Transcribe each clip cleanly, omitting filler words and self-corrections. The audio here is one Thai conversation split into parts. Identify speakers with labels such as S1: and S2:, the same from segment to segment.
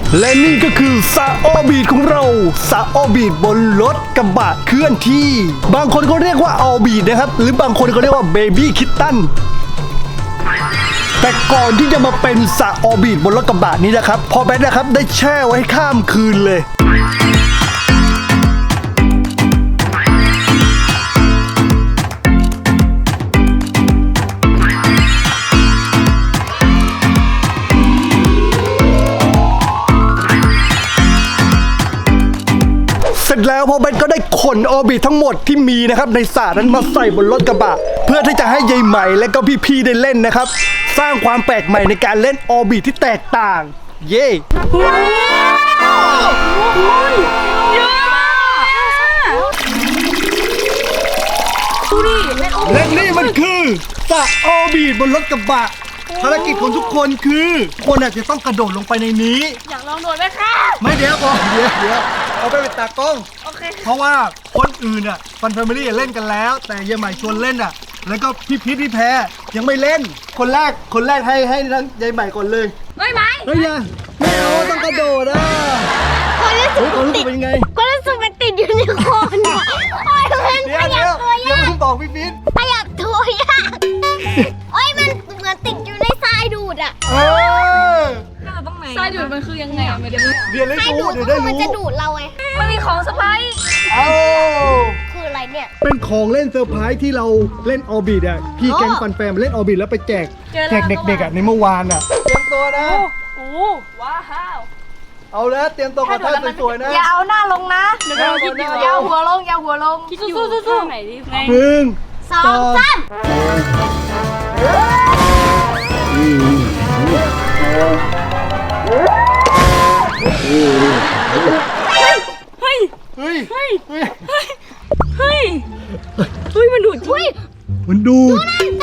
S1: และนี่ก็คือซาออร์บิทของเราซาออร์บิทบนรถกระบะเคลื่อนที่บางคนก็เรียกว่าออร์บิทนะครับหรือบางคนก็เรียกว่าเบบี้คิตตันแต่ก่อนที่จะมาเป็นซาออร์บิทบนรถกระบะนี้นะครับพอแบทนะครับได้แช่ไว้ข้ามคืนเลยเสร็จแล้วพอแบทก็ได้ขนออร์บิททั้งหมดที่มีนะครับในสระนั้นมาใส่บนรถกระบะเพื่อที่จะให้ยายใหม่และก็พี่ๆได้เล่นนะครับสร้างความแปลกใหม่ในการเล่นออร์บิทที่แตกต่างเย้และนี่มันคือสระออร์บิทบนรถกระบะภารกิจของทุกคนคือคนอาจจะต้องกระโดดลงไปในนี้
S2: อยากลองโดดไหมคะ
S1: ไม่เดี๋ยวก่อนเดี๋ยวเอาไปเป็นตากล้อง
S2: โอเค
S1: เพราะว่าคนอื่นอ่ะฟันแฟมิลี่เล่นกันแล้วแต่ยายใหม่ชวนเล่นอ่ะแล้วก็พี่พีทพี่แพรยังไม่เล่นคนแรกให้ทั้งยายใหม่ก่อนเลย
S2: ไม่ไหม
S1: เฮ้ยไม่เอาต้องกระโดดอ่ะความรู้สึกเป็นยังไง
S2: ความรู้สึกมันติดอยู่ในคอเนี่ยโอ้ยมันขยับตัวยาก
S1: เพิ่งบอกพี่พีท
S2: ขยับตัวยากโอ้ยมันเหมือนติดอยู่ในทรายดูดอ่ะ
S3: ทรายดูดมันคือยังไงอ่ะไม่ได้
S1: เรียนให้รู้เดี๋ยวได้รู้
S2: มันจะดูดเราไง
S3: มันมีของเซอร์ไพรส์
S2: คืออะไรเนี่ย
S1: เป็นของเล่นเซอร์ไพรส์ที่เราเล่นออร์บิทอ่ะพี่แก๊งฟันแฟมเล่นออร์บิทแล้วไปแจกเด็กๆอ่ะในเมื่อวานอ่ะเตรียมตัวนะ
S3: โอ้ว้าว
S1: เอาแล้วเตรียมตัวกับท่าสวยๆนะ
S3: อย่าเอาหน้าลงนะเดี๋ยวคิดอยู่อย่าหัวลงคิดอยู่สู้ไหนดิ
S2: 1 2 3
S3: เฮ้ยมันดูดจริง
S1: มันดูด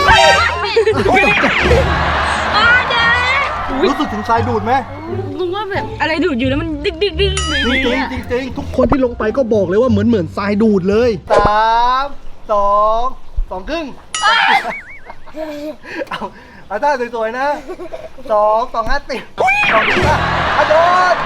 S3: รู้
S1: สึกถึงทรายดูดไหม
S3: รู้ว่าแบบอะไรดูดอยู่แล้วมันดิ๊ก
S1: จริงทุกคนที่ลงไปก็บอกเลยว่าเหมือนทรายดูดเลย3 2 ครึ่งเอาท่าสวยๆนะ2 2 5 10 2 5โดด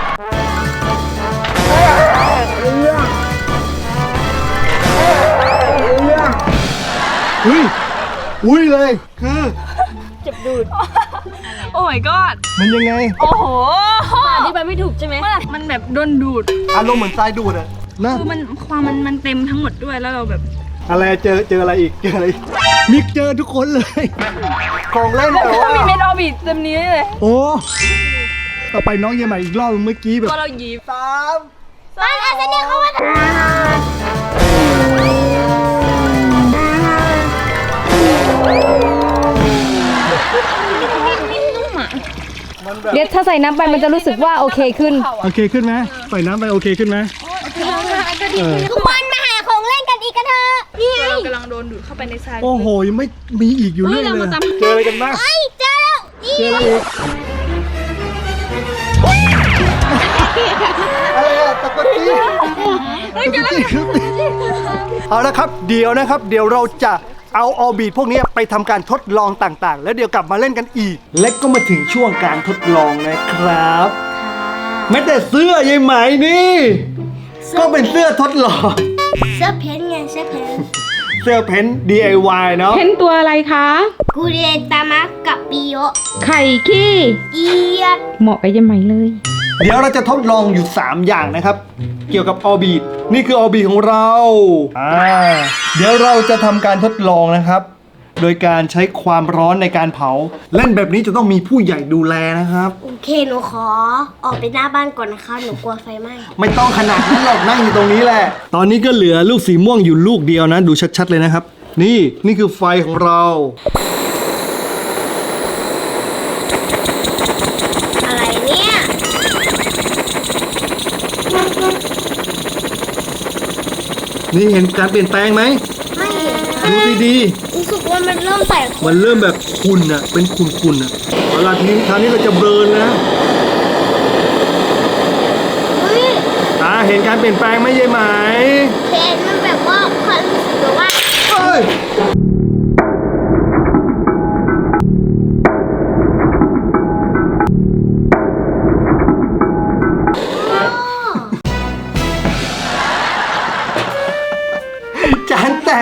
S1: อุ้ยเลยคือ
S3: เจ็บดูดโอ้ my god
S1: มันยังไง
S3: โอ้โหอธิบายไม่ถูกใช่ไหมมันแบบโดนดูด
S1: อารมณ์เหมือนทรายดูดอะนะ
S3: คือมันเต็มทั้งหมดด้วยแล้วเราแบบ
S1: อะไรเจออะไรอีกมิกเจอทุกคนเลยของเล่นแต่ว่า
S3: มีเมนออร์บิทเต็มนี้เลย
S1: โอ้ต่อไปน้องยังใหม่อีกรอบเมื่อกี้แบบ
S3: ก็เราหยิบ
S2: 3 2 1เข้ามา
S4: เดี๋ยวถ้าใส่น้ำไปมันจะรู้สึกว่าโอเคขึ้น
S1: ไหมใส่น้ำไปโอเคขึ้นไหม
S2: ทุกคนมาหาของเล่นกันอีกกันเถอะ
S3: นี่เรากำลังโดนดูดเข้าไปในทราย
S1: โอ้โหยังไม่มีอีกอยู่เรื่อยเลยเจออะไรกันบ้าง
S2: เจอแล้ว
S1: อะไรอะตะกตีเอาละครับเดี๋ยวเราจะเอาออร์บิทพวกนี้ไปทำการทดลองต่างๆแล้วเดี๋ยวกลับมาเล่นกันอีกและก็มาถึงช่วงการทดลองนะครับแม้แต่เสื้อยายไหมนี่ก็เป็นเสื้อทดลอง
S2: เสื้อเพ้นไงเสื้อเ
S1: พ้น DIY เนาะ
S4: เพ้นตัวอะไรคะ
S2: กูเรตามะกับปิโย
S4: ไข่ขี้
S2: เกียด
S4: เหมาะกับยายไหมเลย
S1: เดี๋ยวเราจะทดลองอยู่3อย่างนะครับเกี่ยวกับออร์บิทนี่คือออร์บิทของเราเดี๋ยวเราจะทำการทดลองนะครับโดยการใช้ความร้อนในการเผาเล่นแบบนี้จะต้องมีผู้ใหญ่ดูแลนะครับ
S2: โอเคหนูขอออกไปหน้าบ้านก่อนนะคะหนูกลัวไฟไหม้
S1: ไม่ต้องขนาดนั้นหรอกนั่งอยู่ตรงนี้แหละตอนนี้ก็เหลือลูกสีม่วงอยู่ลูกเดียวนะดูชัดๆเลยนะครับนี่คือไฟของเรา
S2: อะไรเนี่ย
S1: นี่เห็นการเปลี่ยนแปลงไหม
S2: ไม่เห็น
S1: ดูดี
S2: รู้สึกว่ามันเริ่มใส่
S1: มันเริ่มแบบขุ่นอ่ะเป็นขุ่นอ่ะเอาล่ะทีนี้เราจะเบิร์นนะเห็นการเปลี่ยนแปลงไหมยายไหม
S2: เห็นมันแบบว่าความรู้สึกแบบว่า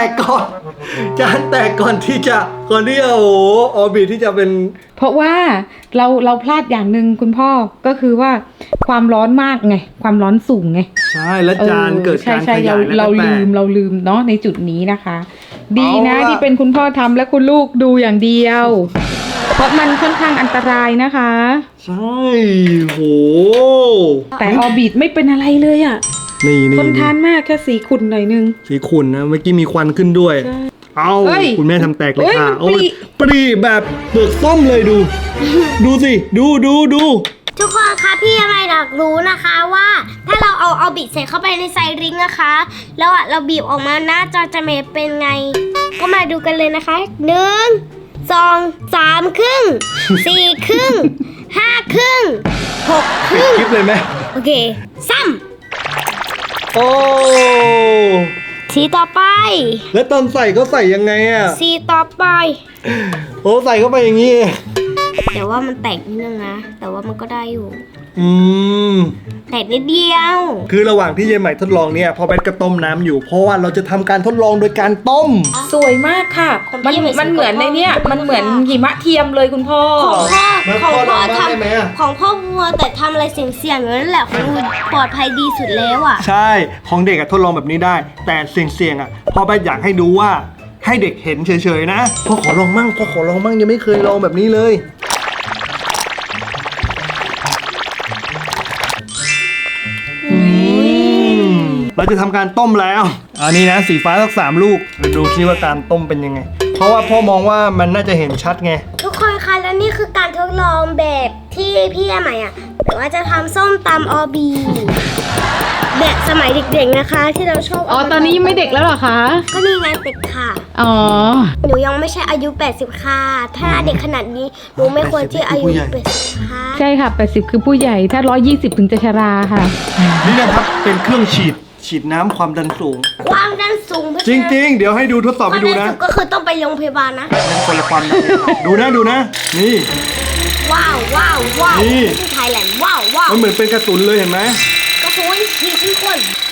S1: กก่อนจานแตกก่อนที่จะโอ้โหออร์บิทที่จะเป็น
S4: เพราะว่าเราพลาดอย่างหนึ่งคุณพ่อก็คือว่าความร้อนมากไงความร้อนสูงไง
S1: ใช่แล้วจานเกิดการข
S4: ใช่
S1: ยายแล้ว
S4: เรา
S1: ก็แต
S4: ลื
S1: ก
S4: มเนาะในจุดนี้นะคะ ดีนะ
S1: เอาล่ะ
S4: ที่เป็นคุณพ่อทำและคุณลูกดูอย่างเดียว เพราะมันค่อนข้างอันตรายนะคะ
S1: ใช่โห
S4: แต่ออร์บิทไม่เป็นอะไรเลยอ่ะ
S1: นี่
S4: ทนทานมากแค่สีขุ่นหน่อยนึง
S1: สีขุ่นนะเมื่อกี้มีควันขึ้นด้วย เอา
S4: เฮ้ย
S1: คุณแม่ทำแตกเลย
S4: เฮ้ย
S1: ค่ะ
S4: มัน
S1: โอ้ย
S4: ปริ
S1: แบบเปลือกส้มเลยดู ดูสิดู
S2: ทุกคนคะพี่อะไรอยากรู้นะคะว่า ถ้าเราเอาบิดใส่เข้าไปในไซริงนะคะแล้วเราบีบออกมาหน้าจอจะเป็นไง ก็มาดูกันเลยนะคะ1 2 3 ครึ่ง 4 ครึ่ง 5 ครึ่ง 6 ครึ่ง
S1: คลิปเลยไหม
S2: โอเคซ้
S1: โอ้
S2: ำสีต่อไป
S1: แล้วตอนใส่ก็ใส่ยังไงอ่ะ
S2: สีต่อไป
S1: โอ้ใส่เข้าไปอย่างนี้
S2: แต่ว่ามันแตกนิดนึงนะ แต่ว่ามันก็ได้อยู่
S1: อืม
S2: แตกนิดเดียว
S1: คือระหว่างที่เยายใหม่ทดลองเนี่ยพอแบทก็ต้มน้ำอยู่ เพราะว่าเราจะทำการทดลองโดยการต้ม
S4: สวยมากค่ะ มันเหมือนในเนี้ยมันเหมือนหิมะเทียมเลยคุณพ่อ
S2: ของพ่อ
S1: แล้ว
S2: ของ
S1: พ่อ
S2: พ่อ
S1: ลองบ้างได้ไหมอะ
S2: ของพ่อวัวแต่ทำอะไรเสี่ยงๆอย่างนั้นแหละของวัวปลอดภัยดีสุดแล้วอ่ะ
S1: ใช่ของเด็กอะทดลองแบบนี้ได้ แต่เสี่ยงๆอะพ่อแบทอยากให้ดูว่าให้เด็กเห็นเฉยๆนะพ่อขอลองมั่งยังไม่เคยลองแบบนี้เลยเราจะทำการต้มแล้วอันนี้นะสีฟ้าสัก3 ลูกดูซิว่าการต้มเป็นยังไง เพราะว่าพ่อมองว่ามันน่าจะเห็นชัดไง
S2: ทุกคนคะและนี่คือการทดลองแบบที่พี่ใหม่อ่ะแต่ว่าจะทำส้มตำออบี แบบสมัยเด็กๆนะคะ ที่เราชอบ
S4: อ๋อ ตอนนี้ไม่เด็กแล้วเหรอคะ
S2: ก็นี่ไงเด็กค่ะ
S4: อ๋อ
S2: หนูยังไม่ใช่อายุ 80 ค่ะ ถ้าเด็กขนาดนี้หนูไม่ควรที่อายุ80ค่ะ
S4: ใช่ค่ะ 80 คือผู้ใหญ่ ถ้า 120 ถึงจะชราค่ะ
S1: นี่นะครับเป็นเครื่องฉีดน้ำความดันสูง
S2: ความดันสูง
S1: จริงๆ เดี๋ยวให้ดูทดสอบ
S2: ค
S1: ให้
S2: วาม
S1: ดู
S2: ดัน
S1: นะ
S2: สูงก็คือต้องไปโรงพยาบาลนะ
S1: นั่นคนละความดันดูนะ นี่
S2: ว้าว
S1: นี่
S2: ที่ไทยแลนด์ว้าว
S1: มันเหมือนเป็นกระสุนเลยเห็นไหม
S2: ก็คือว่าทีที่คน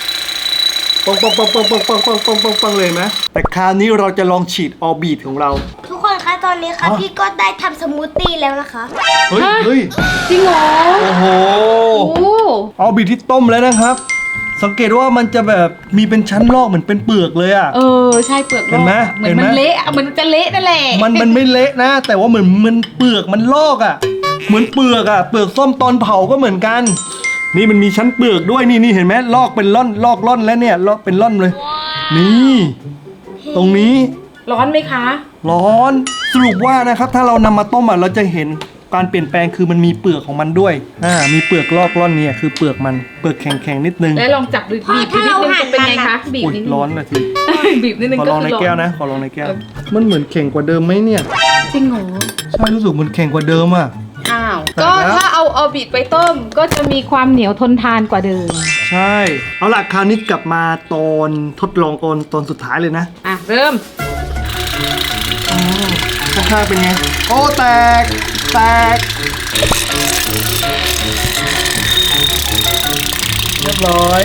S1: ปังเลยไหมแต่คราวนี้เราจะลองฉีดออร์บิทของเรา
S2: ทุกคนคะตอนนี้ค่ะพี่ก็ได้ทำสมูทตี้แล้วนะคะ
S1: เฮ้ย
S4: จริงเหรอ
S1: โอ้โห
S4: โอ้
S1: ออร์บิทที่ต้มแล้วนะครับ สังเกตว่ามันจะแบบมีเป็นชั้นลอกเหมือนเป็นเปลือกเลยอ่ะ
S4: เออ ใช่เปลือก
S1: เห็นไหม
S4: เหมือน
S1: เห็นไหม
S4: มันเละอะเหมือนจะเละนั่นแหละ
S1: มันไม่เละนะ แต่ว่าเหมือนมันเปลือกมันลอกอ่ะ เหมือนเปลือกอ่ะ เปลือกส้มตอนเผาก็เหมือนกัน นี่มันมีชั้นเปลือกด้วยนี่เห็นไหมลอกเป็นลอกล่อนแล้วเนี่ยลอกเป็นล่อนเลย นี่ ตรงนี้
S4: ร้อนไหมคะ
S1: ร้อนสรุปว่านะครับถ้าเรานำมาต้มอ่ะเราจะเห็นการเปลี่ยนแปลงคือมันมีเปลือกของมันด้วยมีเปลือกลอกล่อนเนี่ยคือเปลือกมันเปลือกแข็งๆนิดนึง
S4: แล้วลองจับบีบนิดนึงจะเป็นไงคะบีบ
S1: อุ๊ย
S4: นิดนึง
S1: ร้อนนะที
S4: บีบนิดนึง
S1: ขอ
S4: ก็
S1: ลอง
S4: คื
S1: ใน
S4: อร้อน
S1: แก้วนะขอลองในแก้ว มันเหมือนแข็งกว่าเดิมไหมเนี่ย
S4: จริงเหรอ
S1: ใช่รู้สึกมันแข็งกว่าเดิมอ่ะ
S4: อ้าว
S1: แต่
S4: ก็
S1: แล้ว
S4: ถ้าเอาออร์บิทไปต้มก็จะมีความเหนียวทนทานกว่าเดิม
S1: ใช่เอาล่ะคราวนี้กลับมาตอนทดลองตอนสุดท้ายเลยนะ
S4: อ่ะ เริ่ม
S1: ข้างๆเป็นไงโอ้แตกเรียบร้อย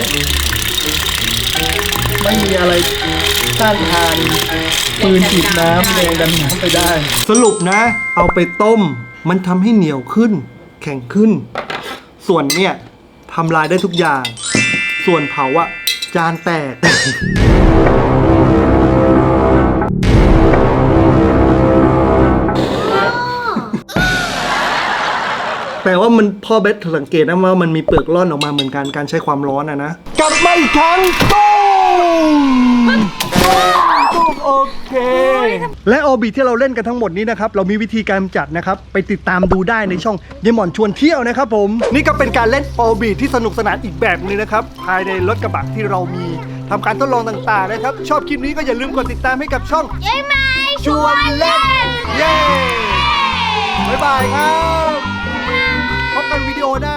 S1: ไม่มีอะไรต้านทานปืนฉีดน้ำแรงดันน้ำไปได้ สรุปนะ เอาไปต้มมันทำให้เหนียวขึ้น แข็งขึ้น ส่วนเนี่ยทำลายได้ทุกอย่าง ส่วนเผาอะจานแตก แต่ว่ามันพ่อเบสสังเกตนะว่ามันมีเปลือกร่อนออกมาเหมือนกันการใช้ความร้อนนะ กลับมาอีกครั้งตุ้มโอเค และออร์บิทที่เราเล่นกันทั้งหมดนี้นะครับเรามีวิธีการจัดนะครับไปติดตามดูได้ในช่องเยหมอนชวนเที่ยวนะครับผมนี่ก็เป็นการเล่นออร์บิทที่สนุกสนานอีกแบบนึงนะครับภายในรถกระบะที่เรามีทำการทดลองต่างๆนะครับชอบคลิปนี้ก็อย่าลืมกดติดตามให้กับช่อง
S2: เย้ไหม
S1: ชวนเล่นเย้บ๊ายบายครับพบกันวิดีโอหน้า